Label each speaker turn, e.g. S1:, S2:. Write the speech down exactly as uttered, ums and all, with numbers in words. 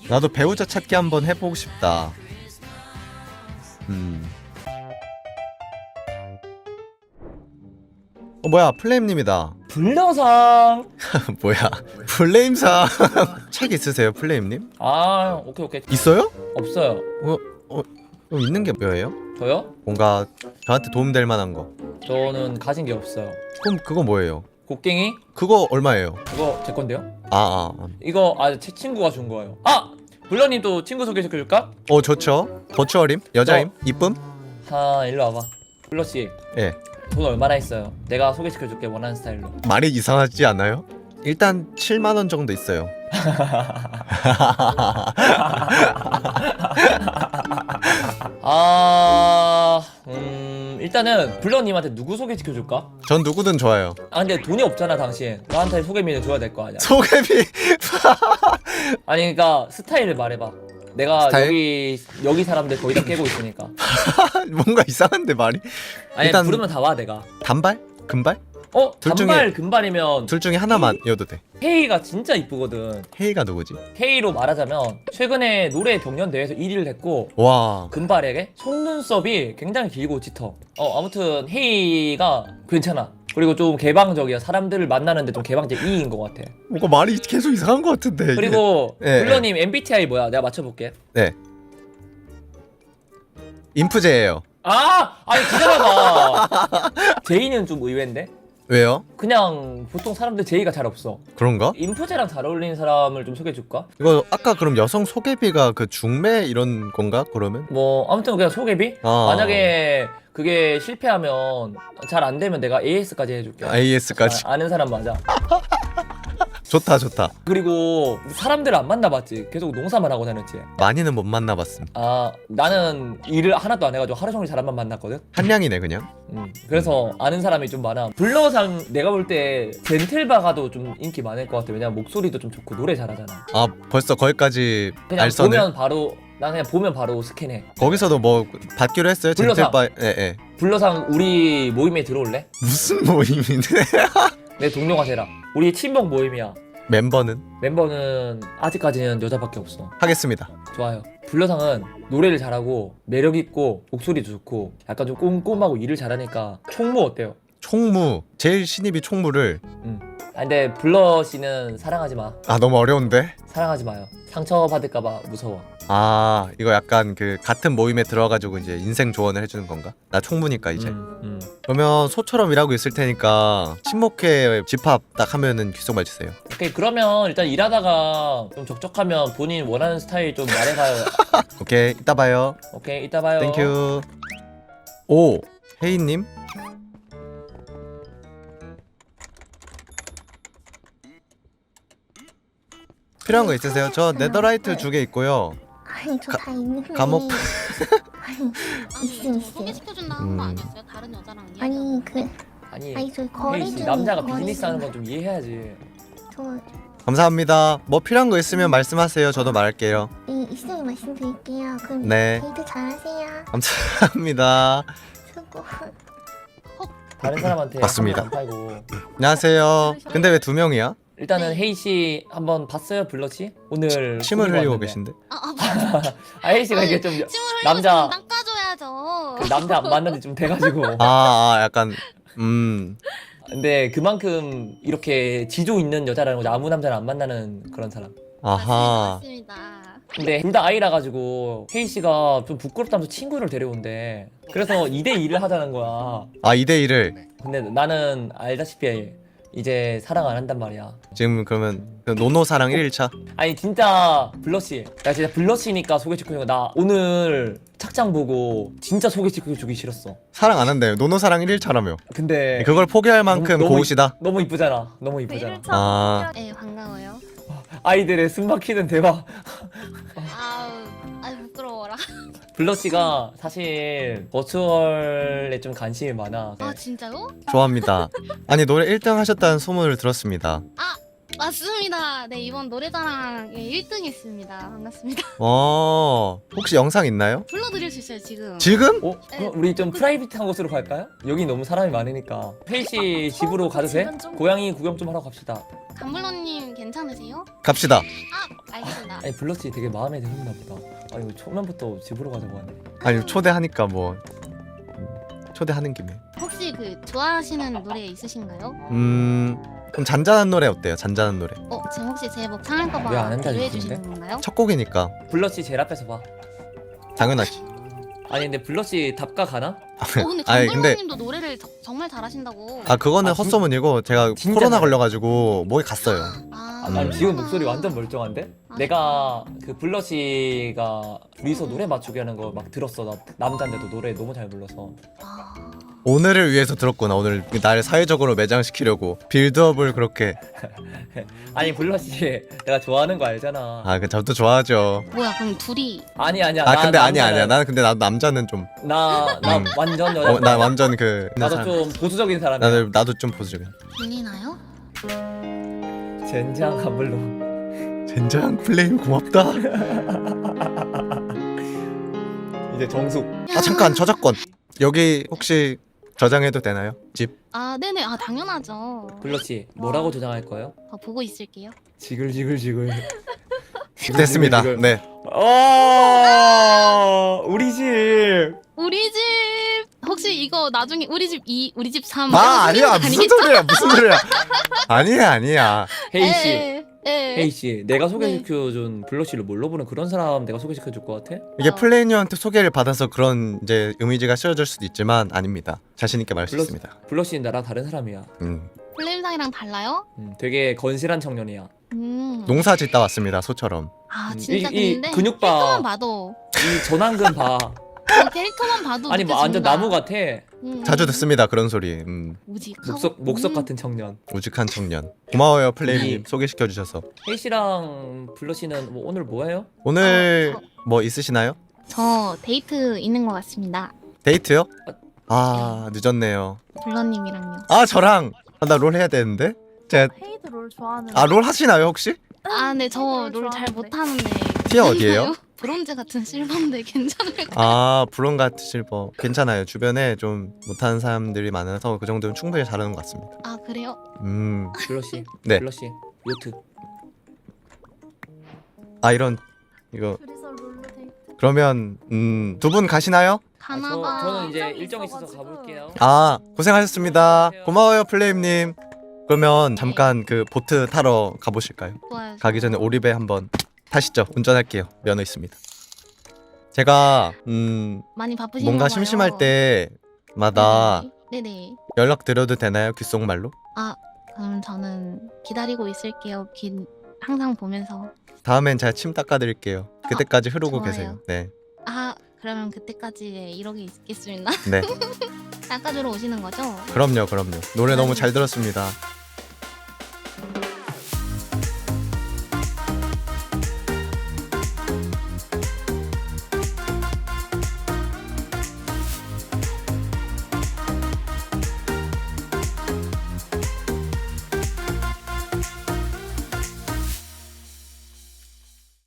S1: 나도 배우자 찾기 한번 해보고 싶다. 음. 어 뭐야 플레임님이다.
S2: 불려상.
S1: 뭐야 플레임상 책 있으세요 플레임님?
S2: 아 오케이 오케이.
S1: 있어요?
S2: 없어요.
S1: 어, 어, 어 있는 게 뭐예요?
S2: 저요?
S1: 뭔가 저한테 도움될 만한 거.
S2: 저는 가진 게 없어요.
S1: 그럼 그거 뭐예요?
S2: 곡괭이?
S1: 그거 얼마예요?
S2: 그거 제 건데요?
S1: 아, 아, 아.
S2: 이거 아 제 친구가 준 거예요. 아! 불러님 또 친구 소개시켜줄까?
S1: 어 좋죠. 버추얼임? 여자임? 이쁨?
S2: 아 일로 와봐. 불러씨
S1: 예.
S2: 돈 얼마나 있어요? 내가 소개시켜줄게 원하는 스타일로.
S1: 말이 이상하지 않아요? 일단 칠만 원 정도 있어요.
S2: 아... 음... 일단은 불러님한테 누구 소개시켜줄까?
S1: 전 누구든 좋아요.
S2: 아 근데 돈이 없잖아 당신. 나한테 소개비는 줘야 될 거 아니야.
S1: 소개비.
S2: 아니 그니까 스타일을 말해봐. 내가
S1: 스타일?
S2: 여기 여기 사람들 거의 다 깨고 있으니까.
S1: 뭔가 이상한데 말이.
S2: 아니
S1: 일단-
S2: 부르면 다 와 내가.
S1: 단발? 금발?
S2: 어?
S1: 둘 중에-
S2: 단발 금발이면
S1: 둘 중에 하나만이어도 돼.
S2: 헤이가 진짜 이쁘거든.
S1: 헤이가 누구지?
S2: 헤이로 말하자면 최근에 노래 경연 대회에서 일 위를 했고
S1: 와.
S2: 금발에게 속눈썹이 굉장히 길고 짙어. 어 아무튼 헤이가 괜찮아. 그리고 좀 개방적이야. 사람들을 만나는데 좀 개방적인 것 같아.
S1: 뭔가 말이 계속 이상한 것 같은데. 이게.
S2: 그리고
S1: 예,
S2: 불러님 엠비티아이 뭐야? 내가 맞춰볼게.
S1: 네. 인프제예요.
S2: 아! 아니 기다려봐. 제이는 좀 의외인데?
S1: 왜요?
S2: 그냥 보통 사람들 제이가 잘 없어.
S1: 그런가?
S2: 인프제랑 잘 어울리는 사람을 좀 소개해줄까?
S1: 이거 아까 그럼 여성 소개비가 그 중매 이런 건가? 그러면?
S2: 뭐 아무튼 그냥 소개비?
S1: 아.
S2: 만약에 그게 실패하면 잘 안 되면 내가 에이에스까지 해줄게.
S1: 에이에스까지.
S2: 아, 아는 사람 맞아.
S1: 좋다 좋다.
S2: 그리고 사람들을 안 만나봤지. 계속 농사만 하고 다녔지.
S1: 많이는 못 만나봤음.
S2: 아 나는 일을 하나도 안 해가지고 하루 종일 사람만 만났거든.
S1: 한량이네 그냥.
S2: 음, 그래서 아는 사람이 좀 많아. 불러상 내가 볼 때 젠틀바가도 좀 인기 많을 것 같아. 왜냐면 목소리도 좀 좋고 노래 잘하잖아.
S1: 아 벌써 거기까지
S2: 그냥
S1: 알선을?
S2: 보면 바로 난 그냥 보면 바로 스캔해.
S1: 거기서도 뭐 받기로 했어요?
S2: 불러상.
S1: 젠틀바. 예예.
S2: 불러상 우리 모임에 들어올래?
S1: 무슨 모임인데?
S2: 내 동료가 되라. 우리 친목 모임이야.
S1: 멤버는
S2: 멤버는 아직까지는 여자밖에 없어.
S1: 하겠습니다.
S2: 좋아요. 불러상은 노래를 잘하고 매력있고 목소리도 좋고 약간 좀 꼼꼼하고 일을 잘하니까 총무 어때요?
S1: 총무. 제일 신입이 총무를.
S2: 음. 아 근데 블러 씨는 사랑하지 마.
S1: 아 너무 어려운데?
S2: 사랑하지 마요. 상처 받을까봐 무서워.
S1: 아 이거 약간 그 같은 모임에 들어가지고 이제 인생 조언을 해주는 건가? 나 총무니까 이제.
S2: 음, 음.
S1: 그러면 소처럼 일하고 있을 테니까 친목회 집합 딱 하면은 귓속말 주세요.
S2: 오케이 그러면 일단 일하다가 좀 적적하면 본인 원하는 스타일 좀 말해봐요.
S1: 오케이 이따 봐요.
S2: 오케이 이따 봐요.
S1: 땡큐. 오 혜인님. 필요한 거 있으세요? 저 네더라이트 두 개 있고요.
S3: 아니 저 다 있는데
S1: 감옥.
S3: 아니 있음 있음
S4: 소개시켜준다는 거
S1: 음.
S4: 아니었어요? 다른 여자랑 이야기.
S3: 아니 그
S2: 아니
S3: 아니 저희 거리
S2: 혜인 씨
S3: 중에
S2: 남자가
S3: 거리
S2: 비즈니스 하는
S3: 중에
S2: 건 좀 이해해야지.
S3: 저
S1: 감사합니다. 뭐 필요한 거 있으면 말씀하세요. 저도 말할게요.
S3: 네, 있으면 말씀드릴게요. 그럼
S1: 네.
S3: 데이트 잘하세요.
S1: 감사합니다.
S3: 수고.
S2: 다른 사람한테
S1: 맞습니다.
S2: 안 팔고.
S1: 안녕하세요. 근데 왜 두 명이야?
S2: 일단은 혜이 씨 한번 봤어요 블러 씨? 오늘
S1: 침을
S2: 꾸미고
S1: 흘리고
S2: 왔는데.
S1: 계신데?
S4: 아, 아 맞아.
S2: 아 혜이 씨가 이게 좀
S4: 침을 흘리고
S2: 남자-
S4: 남자 닦아줘야죠.
S2: 그 남자 안 만난 지 좀 돼가지고.
S1: 아, 아 약간 음
S2: 근데 그만큼 이렇게 지조 있는 여자라는 거죠. 아무 남자를 안 만나는 그런 사람.
S1: 아하.
S4: 맞습니다. 맞습니다.
S2: 근데 둘 다 아이라 가지고 혜이 씨가 좀 부끄럽다면서 친구를 데려온대. 그래서 이 대 이를 하자는 거야.
S1: 아 이 대 일을
S2: 근데 나는 알다시피 이제 사랑 안 한단 말이야.
S1: 지금 그러면 그 노노사랑 일 일차?
S2: 아니 진짜 블러씨, 나 진짜 블러씨니까 소개시켜주는 거. 나 오늘 착장 보고 진짜 소개시켜주기 싫었어.
S1: 사랑 안 한대요. 노노사랑 일 일차라며.
S2: 근데
S1: 그걸 포기할 만큼
S2: 너무-
S1: 고우시다.
S2: 너무 이쁘잖아. 너무 이쁘잖아.
S1: 아
S4: 네 반가워요.
S2: 아이들의 숨막히는 대화.
S4: 아우 아유 부끄러워라.
S2: 블러씨가 사실 버추얼에 좀 관심이 많아.
S4: 아 진짜요?
S1: 좋아합니다. 아니 노래 일 등 하셨다는 소문을 들었습니다.
S4: 아 맞습니다. 네, 이번 노래자랑 일 등 했습니다. 반갑습니다.
S1: 어 혹시 영상 있나요?
S4: 불러드릴 수 있어요, 지금.
S1: 지금?
S2: 어? 그럼 우리 좀 프라이빗한 곳으로 갈까요? 여기 너무 사람이 많으니까. 혜희 씨 집으로 가도 돼?
S3: 집은 좀-
S2: 고양이 구경 좀 하러 갑시다.
S4: 감블러님 괜찮으세요?
S1: 갑시다.
S4: 아, 알겠습니다.
S2: 아니 블러 씨 되게 마음에 드셨나 보다. 아니 왜 초면부터 집으로 가자고 하네.
S1: 아니 초대하니까 뭐 음, 초대하는 김에.
S4: 혹시 그 좋아하시는 노래 있으신가요?
S1: 음 그럼 잔잔한 노래 어때요? 잔잔한 노래.
S4: 어, 지금 혹시 제목
S2: 왜안
S4: 상할까봐
S2: 한다,
S4: 기회해
S2: 이쁜데?
S4: 주시는 건가요?
S1: 첫 곡이니까
S2: 블러 씨 제일 앞에서 봐.
S1: 당연하지.
S2: 아니 근데 블러 씨 답가 가나?
S4: 어, 근데
S1: 아니, 근데-
S4: 감블러님도 노래를 저- 정말 잘하신다고.
S1: 아 그거는
S2: 아, 진-
S1: 헛소문이고 제가
S2: 진짜
S1: 코로나
S2: 잘해.
S1: 걸려가지고 목이 갔어요.
S4: 아,
S1: 음.
S2: 아니 지금 목소리 완전 멀쩡한데?
S4: 아,
S2: 내가 그 블러 씨가 둘이서 노래 맞추기 하는 거 막 들었어. 나 남잔데도 노래 너무 잘 불러서.
S4: 아,
S1: 오늘을 위해서 들었구나. 오늘 날 사회적으로 매장시키려고 빌드업을 그렇게.
S2: 아니 블러 씨 내가 좋아하는 거 알잖아.
S1: 아 그 저도 좋아하죠.
S4: 뭐야, 그럼 둘이
S2: 아니 아니야.
S1: 아
S2: 나
S1: 근데 아니야
S2: 남자는-
S1: 아니야. 나는 근데 나도 남자는 좀.
S2: 나, 나
S1: 음.
S2: 완전 여자.
S1: 어, 나 완전 그.
S2: 나도
S1: 사람.
S2: 좀 보수적인 사람이야.
S1: 나도 나도 좀 보수적인.
S4: 들리나요?
S2: 젠장 감블로.
S1: 젠장 플레임 고맙다.
S2: 이제 정숙.
S1: 아 잠깐 저작권. 여기 혹시 저장해도 되나요? 집.
S4: 아, 네네. 아, 당연하죠.
S2: 블러 씨 뭐라고 저장할 거예요?
S4: 어, 보고 있을게요.
S2: 지글지글지글.
S1: 됐습니다.
S2: 지글.
S1: 네.
S2: 어 우리 집.
S4: 우리 집 혹시 이거 나중에 우리 집 이, 우리 집 삼.
S1: 아 아니야 무슨 소리야 무슨 소리야. 아니야 아니야.
S2: 혜희 씨.
S4: 예. 예.
S2: 혜희 씨, 내가 소개시켜준 블러 씨를 뭘로 보는 그런 사람 내가 소개시켜줄 것 같아?
S1: 이게
S4: 어.
S1: 플레이어한테 소개를 받아서 그런 이제 이미지가 씌워질 수도 있지만 아닙니다. 자신 있게 말할 수
S2: 블러-
S1: 있습니다.
S2: 블러 씨는 나랑 다른 사람이야.
S1: 음.
S4: 플레임상이랑 달라요?
S2: 음, 되게 건실한 청년이야.
S4: 음.
S1: 농사 짓다 왔습니다. 소처럼.
S4: 아,
S2: 음,
S4: 진짜
S2: 이- 이
S4: 근데
S2: 근육 봐.
S4: 캐릭터만 봐도
S2: 이 전완근 봐.
S4: 어, 캐릭터만 봐도
S2: 아니 뭐 완전
S4: 느껴집니다.
S2: 나무 같아.
S4: 음.
S1: 자주 듣습니다. 그런 소리. 음.
S4: 우직하고
S2: 목석 목석
S4: 음.
S2: 같은 청년.
S1: 우직한 청년. 고마워요 플레이님
S2: 이-
S1: 소개시켜 주셔서.
S2: 혜희 씨랑 블러 씨는 뭐 오늘 뭐 해요?
S1: 오늘
S4: 어,
S1: 뭐 있으시나요?
S4: 저 데이트 있는 것 같습니다.
S1: 데이트요? 아 늦었네요.
S4: 블러님이랑요.
S1: 아 저랑 아, 나 롤 해야 되는데. 제가
S3: 헤이드 롤 좋아하는.
S1: 아 롤 하시나요 혹시?
S4: 아, 네, 저
S3: 롤
S4: 롤 잘
S3: 좋아하는데.
S4: 못하는데.
S1: 티어 어디예요?
S4: 브론즈 같은 실버인데 괜찮을까요?
S1: 아 브론 같은 실버 괜찮아요. 주변에 좀 못하는 사람들이 많아서 그 정도면 충분히 잘하는 것 같습니다.
S4: 아, 그래요?
S1: 음.
S2: 블러 씨.
S1: 네.
S2: 블러 씨. 요트.
S1: 아 이런 이거
S3: 둘이서 롤로 데이트.
S1: 그러면 음, 두 분 가시나요?
S2: 아,
S4: 가나봐.
S2: 저, 저는 이제
S3: 일정이
S2: 일정 있어서
S3: 있어가지고.
S2: 가볼게요.
S1: 아 고생하셨습니다. 고마워요 플레임님. 그러면 잠깐 그 보트 타러 가보실까요?
S4: 좋아요.
S1: 가기 전에 오리배 한번 타시죠. 운전할게요. 면허 있습니다. 제가 음
S4: 많이 바쁘신가
S1: 뭔가
S4: 봐요.
S1: 심심할 때마다
S4: 네네. 네네.
S1: 연락 드려도 되나요? 귓속말로?
S4: 아, 그럼 저는 기다리고 있을게요. 긴 항상 보면서.
S1: 다음엔 제가 침 닦아드릴게요. 그때까지 흐르고
S4: 좋아요.
S1: 계세요. 네,
S4: 아, 그러면 그때까지 이러고 있겠습니다.
S1: 네,
S4: 닦아주러 오시는 거죠?
S1: 그럼요, 그럼요. 노래 너무 잘 들었습니다.